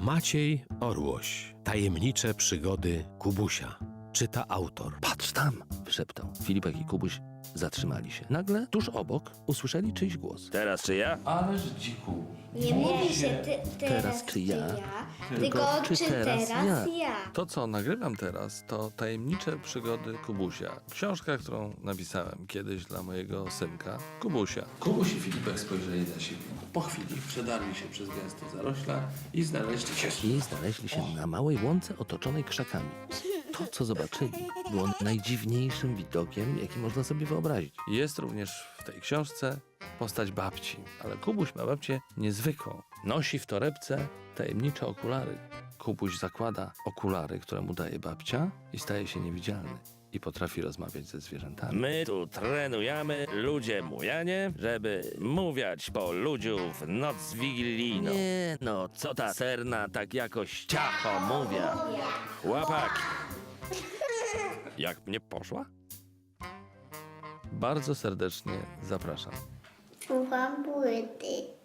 Maciej Orłoś. Tajemnicze przygody Kubusia. Czyta autor. Patrz tam! Wyszeptał. Filipek i Kubuś zatrzymali się. Nagle, tuż obok, usłyszeli czyjś głos. Teraz czy ja? Ależ dziku. Nie mówi się teraz czy ja, tylko czy teraz ja. To, co nagrywam teraz, to tajemnicze przygody Kubusia. Książka, którą napisałem kiedyś dla mojego synka, Kubusia. Kubuś i Filipek spojrzeli na siebie. Po chwili przedarli się przez gęste zarośla i znaleźli się Na małej łące otoczonej krzakami. To, co zobaczyli, było najdziwniejszym widokiem, jaki można sobie wyobrazić. Jest również w tej książce postać babci, ale Kubuś ma babcię niezwykłą. Nosi w torebce tajemnicze okulary. Kubuś zakłada okulary, które mu daje babcia i staje się niewidzialny. I potrafi rozmawiać ze zwierzętami. My tu trenujemy ludzie mujanie, żeby mówiać po ludziu w noc wigilijną. Nie, No, co ta serna tak jakoś ciacho mówia? Chłopaki. Jak mnie poszła? Bardzo serdecznie zapraszam. Słucham płyty.